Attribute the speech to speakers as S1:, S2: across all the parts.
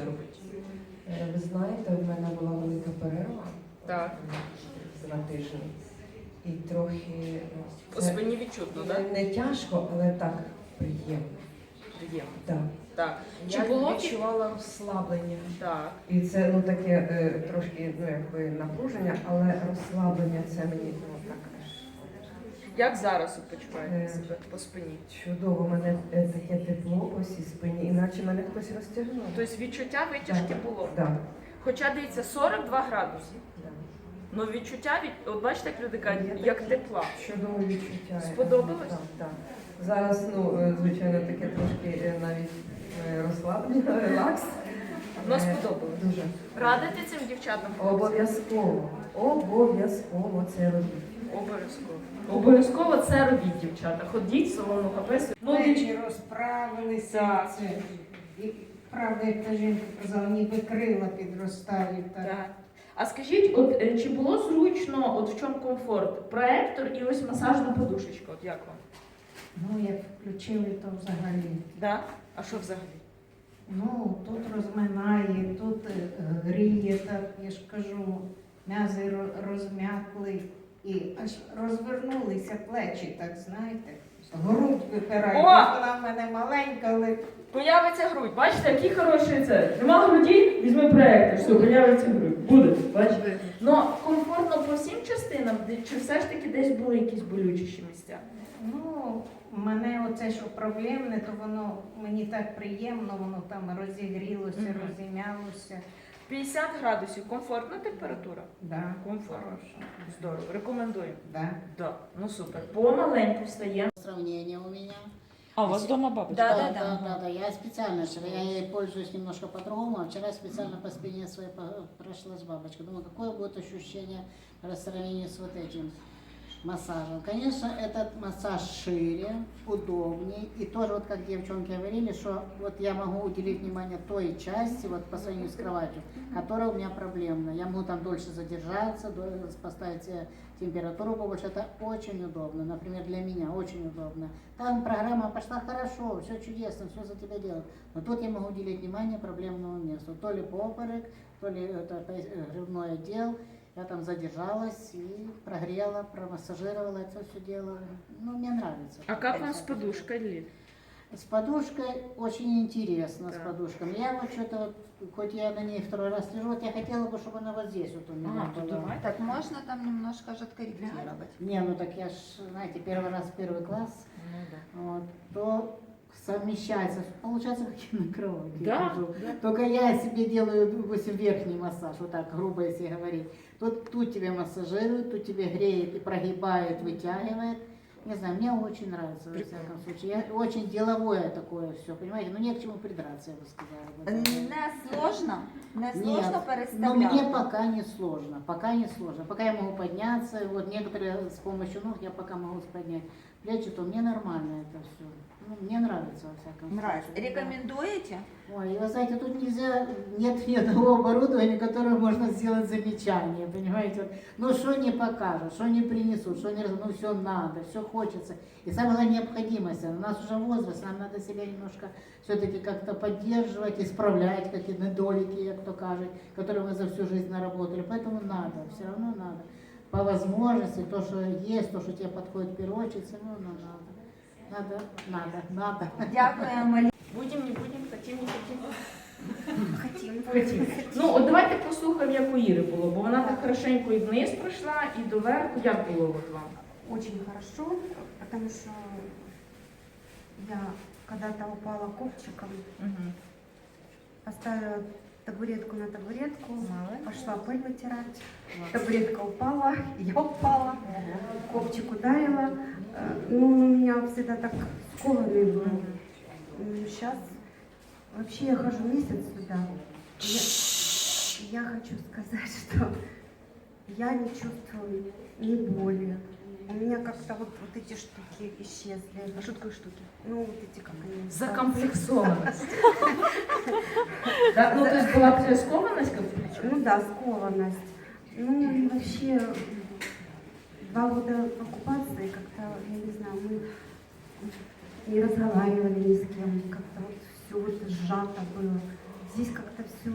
S1: робити?
S2: Ви знаєте, в мене була велика перерва.
S1: Так.
S2: 2 тижні. І трохи...
S1: По спині відчутно, так?
S2: Не тяжко, але так приємно.
S1: Приємно.
S2: Так.
S1: Так. Чи
S2: Я
S1: було
S2: відчувала розслаблення.
S1: Так.
S2: І це таке трошки якби напруження, але розслаблення це мені так.
S1: Як зараз ви почуваєте себе по спині?
S2: Чудово, у мене таке тепло по всій спині, іначе мене хтось розтягнув.
S1: Тобто відчуття витяжки було?
S2: Так.
S1: Хоча, дивіться, 42 градуси.
S2: Да.
S1: Ну відчуття, от бачите, як люди кажуть, як тепла.
S2: Чудове відчуття.
S1: Сподобалось?
S2: Так, так. Зараз, звичайно, таке трошки навіть розслаблення, релакс.
S1: Ну, сподобалось.
S2: Дуже.
S1: Радите цим дівчатам?
S2: Обов'язково. Обов'язково це робіть.
S1: Обов'язково. Обов'язково це робіть, дівчата. Ходіть в салону ХП.
S3: Плечі розправилися. Це. І правда, як та жінка казала, ніби крила підростають.
S1: Так. А скажіть, от чи було зручно, от в чому комфорт? Проектор і ось масажна подушечка, от як вам?
S3: Ну, як включили, то взагалі.
S1: Да? А що взагалі?
S3: Ну, тут розминає, тут гріє, так, я ж кажу, м'язи розм'якли і аж розвернулися плечі, так, знаєте. Грудь випирає. Вона в мене маленька, але...
S1: Появиться грудь. Бачите, який хороший це. Нема груді, візьми проектор, все, появиться грудь. Буде, бачите? Ну, комфортно по всім частинам, чи все ж таки десь були якісь болючіші місця?
S3: Ну, мене оце, що проблемне, то воно мені так приємно, воно там розігрілося, розім'ялося.
S1: 50 градусів, комфортна температура?
S3: Да.
S1: Комфортно. Здорово, рекомендую.
S3: Да.
S1: Да. Ну супер. Помаленьку встаємо.
S4: Сравнение у меня.
S1: А, у вас дома бабочка?
S4: Да. Я специально, я ей пользуюсь немножко по-другому, а вчера специально по спине своей прошлась бабочка. Думаю, какое будет ощущение в сравнении с вот этим массажем. Конечно, этот массаж шире, удобнее. И тоже, вот как девчонки говорили, что вот я могу уделить внимание той части, вот по сравнению с кроватью, которая у меня проблемная. Я могу там дольше задержаться, поставить себе температуру побольше. Это очень удобно. Например, для меня очень удобно. Там программа пошла хорошо, все чудесно, все за тебя делают. Но тут я могу уделить внимание проблемному месту. То ли поперек, то ли это грудной отдел. Я там задержалась и прогрела, промассажировала это все дело. Ну, мне нравится.
S1: А как вам с подушкой, Лиль?
S4: С подушкой очень интересно, с подушками. Я вот что-то, хоть я на ней второй раз лежу, вот я хотела бы, чтобы она вот здесь вот у меня была.
S5: Так можно там немножко же откорректировать.
S4: Не, ну так я ж, знаете, первый раз первый класс, вот, то совмещается, получается, как я на кровати хожу. Только я себе делаю, допустим, верхний массаж, вот так грубо если говорить. Тут тебе массажирует, тут тебе греет и прогибает, вытягивает. Не знаю, мне очень нравится, во всяком случае. Я очень деловое такое все, понимаете? Ну, не к чему придраться, я бы сказала.
S5: Не сложно? Не
S4: Нет,
S5: сложно
S4: но
S5: переставлять?
S4: мне пока не сложно, пока не сложно. Пока я могу подняться, вот некоторые с помощью ног я пока могу поднять плечи, то мне нормально это все. Ну, мне нравится, во всяком
S5: Нравится.
S4: случае.
S5: Рекомендуете?
S4: Ой, и вы знаете, тут нельзя, нет ни одного оборудования, которое можно сделать замечание, понимаете? Вот, ну, что не покажут, что не принесут, что не ну, все надо, все хочется. И самое главное, необходимость. У нас уже возраст, нам надо себя немножко все-таки как-то поддерживать, исправлять какие-то недолики, как то кажет, которые мы за всю жизнь наработали. Поэтому надо, все равно надо. По возможности, то, что есть, то, что тебе подходит в первую очередь, все равно надо. Надо.
S5: Дякуємо.
S1: Будем, не будем, хотим, не хотим.
S5: Хотім.
S1: Ну, от давайте послухаємо, як у Іри було, бо вона так хорошенько і вниз пройшла, і доверху. Як було от вам?
S6: Очень хорошо, потому что я когда-то упала копчиком, поставила табуретку на табуретку, пошла пыль вытирать, табуретка упала, я упала, копчик ударила. Ну, он у меня всегда так скованный был. Сейчас вообще я хожу месяц сюда. Я хочу сказать, что я не чувствую ни боли. У меня как-то вот эти штуки исчезли.
S1: А что такое штуки?
S6: Ну, вот эти, как они...
S1: Закомплексованность. Ну, то есть была такая скованность, как
S6: Ну да, скованность. Ну и вообще 2 года оккупации как-то, я не знаю, мы не разговаривали ни с кем, как-то вот все вот сжато было. здесь как-то все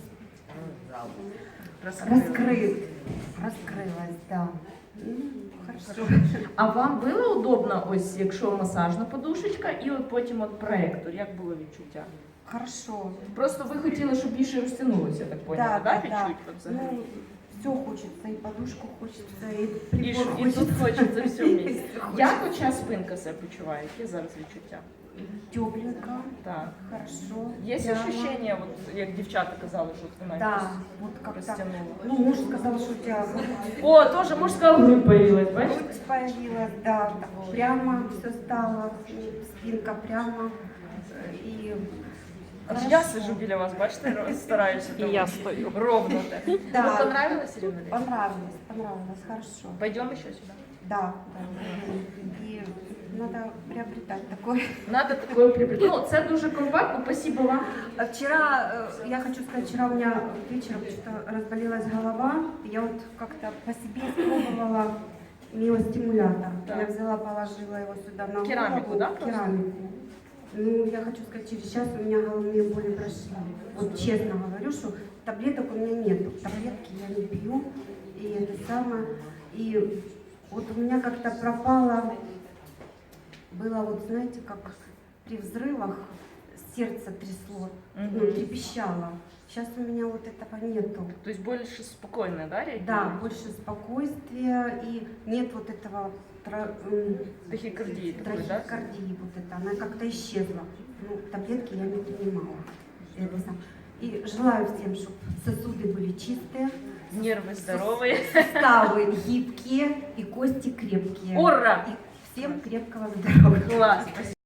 S1: Розкрили.
S6: раскрылось, да. Ну, хорошо.
S1: А вам було удобно, ось якщо масажна подушечка і от потім от проектор? Як було відчуття?
S6: Хорошо.
S1: Просто ви хотіли, щоб більше розтягнулося, я так поняла, да, відчуть от взагалі?
S6: Ну, все хочется, и подушку хочется, и
S1: І,
S6: прибор
S1: і
S6: хочется.
S1: тут хочеться все вместе.
S6: Вместе хочется.
S1: Як оця спинка себе почуває? Які зараз відчуття?
S6: Тепленько,
S1: Так.
S6: хорошо.
S1: Є
S6: прямо.
S1: ощущення, от, як дівчата казали, що вона
S6: Да,
S1: якось
S6: вот как-то.
S1: розтягнула?
S6: Ну, муж сказал, что у тебя
S1: О, теж мужська грудь появилась, бачите?
S6: грудь появилась, да, так прямо все стало, спинка прямо. И
S1: Аж я сижу біля вас, бачите, стараюся. І я стою. Ровно так.
S6: Да.
S1: Ну, понравилось, Ирина?
S6: понравилось, хорошо.
S1: Пойдем еще сюда.
S6: Да, да. И надо приобретать такое.
S1: Надо такое приобрести. Ну, це дуже компактно, спасибо вам.
S6: А вчера, я хочу сказать, вчера у меня вечером что-то разболелась голова. Я вот как-то по себе испробовала миостимулятор.
S1: Так.
S6: Я взяла, положила его сюда на
S1: Керамику,
S6: голову.
S1: да, просто?
S6: Керамику. Ну, я хочу сказать, через час у меня головные боли прошли. Вот честно говорю, что таблеток у меня нету. Таблетки я не пью. И это самое. И вот у меня как-то пропало, было вот, знаете, как при взрывах сердце трясло, ну, трепещало. Сейчас у меня вот этого нету.
S1: То есть больше спокойно, да, реагирует?
S6: Да, больше спокойствия и нет вот этого
S1: Тахикардии такой, да?
S6: трахеокардии, вот это, она как-то исчезла. Ну, таблетки я не принимала. Это сам. И желаю всем, чтобы сосуды были чистые,
S1: Нервы здоровые.
S6: суставы гибкие и кости крепкие.
S1: Ура!
S6: И всем крепкого здоровья.
S1: Класс, спасибо.